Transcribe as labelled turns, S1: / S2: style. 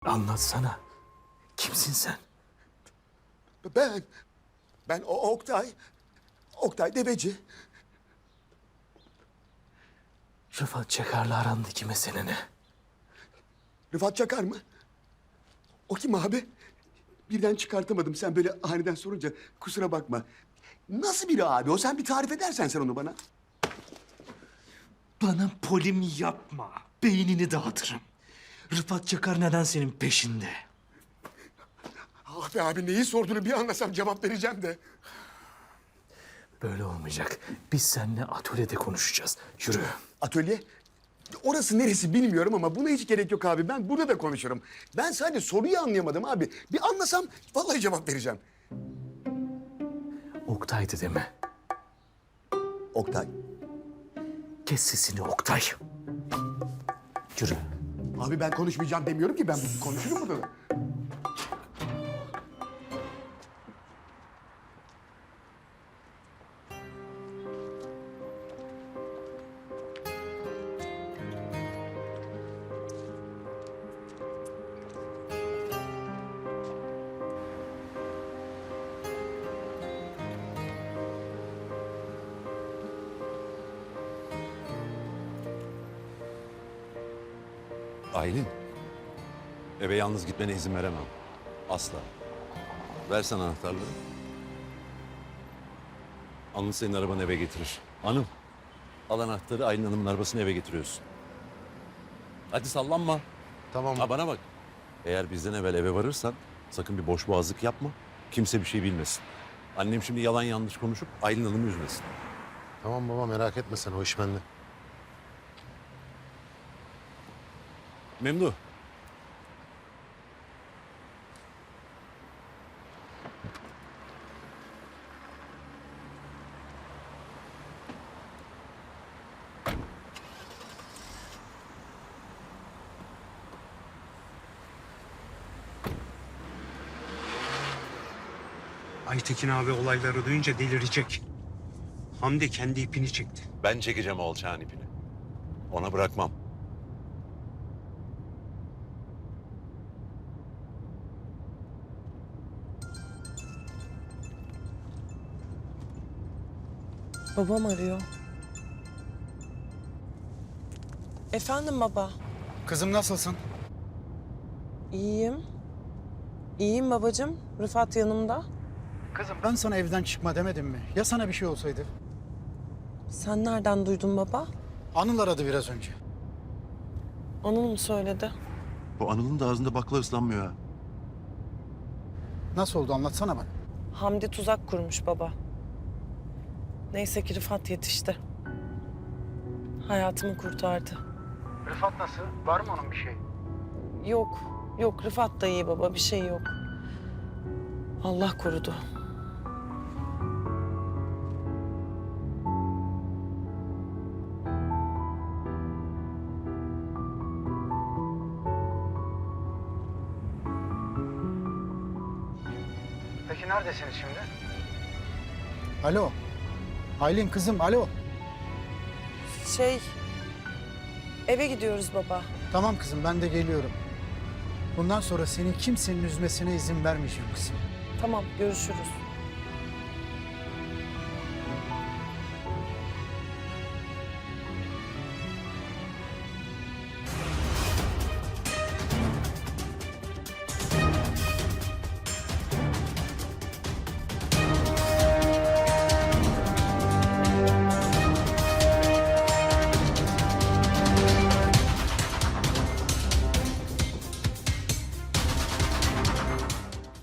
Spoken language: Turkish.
S1: Anlatsana. Kimsin sen?
S2: Ben Oktay. Oktay Deveci.
S1: Rıfat Çakar'la arandaki mesele ne?
S2: Rıfat Çakar mı? O kim abi? Birden çıkartamadım sen böyle aniden sorunca. Kusura bakma. Nasıl biri abi o? Sen bir tarif edersen sen onu bana.
S1: Bana polim yapma. Beynini dağıtırım. Rıfat Çakar neden senin peşinde?
S2: Ah be abi neyi sorduğunu bir anlasam cevap vereceğim de.
S1: Böyle olmayacak. Biz seninle atölyede konuşacağız. Yürü.
S2: Atölye? Orası neresi bilmiyorum ama buna hiç gerek yok abi. Ben burada da konuşurum. Ben sadece soruyu anlayamadım abi. Bir anlasam vallahi cevap vereceğim.
S1: Oktay'dı deme.
S2: Oktay.
S1: Kes sesini Oktay. Yürü.
S2: Abi ben konuşmayacağım demiyorum ki ben konuşurum burada da.
S3: Aylin, eve yalnız gitmene izin veremem. Asla. Versen anahtarları. Anıl senin arabanı eve getirir. Hanım, al anahtarı Aylin Hanım'ın arabasını eve getiriyorsun. Hadi sallanma.
S4: Tamam.
S3: Ha bana bak. Eğer bizden evvel eve varırsan sakın bir boş boğazlık yapma. Kimse bir şey bilmesin. Annem şimdi yalan yanlış konuşup Aylin Hanım'ı üzmesin.
S4: Tamam baba merak etme sen o iş bende.
S3: Memduh.
S5: Aytekin abi olayları duyunca delirecek. Hamdi kendi ipini çekti.
S3: Ben çekeceğim o alçağın ipini. Ona bırakmam.
S6: Babam arıyor. Efendim baba.
S7: Kızım nasılsın?
S6: İyiyim. İyiyim babacığım. Rıfat yanımda.
S7: Kızım ben sana evden çıkma demedim mi? Ya sana bir şey olsaydı?
S6: Sen nereden duydun baba?
S7: Anıl aradı biraz önce.
S6: Anıl mı söyledi?
S3: Bu Anıl'ın da ağzında bakla ıslanmıyor ha.
S7: Nasıl oldu anlatsana bana.
S6: Hamdi tuzak kurmuş baba. Neyse ki Rıfat yetişti. Hayatımı kurtardı.
S7: Rıfat nasıl? Var mı onun bir şey?
S6: Yok, yok Rıfat da iyi baba. Bir şey yok. Allah korudu.
S7: Peki neredesiniz şimdi? Alo. Aylin kızım alo.
S6: Eve gidiyoruz baba.
S7: Tamam kızım ben de geliyorum. Bundan sonra seni kimsenin üzmesine izin vermeyeceğim kızım.
S6: Tamam, görüşürüz.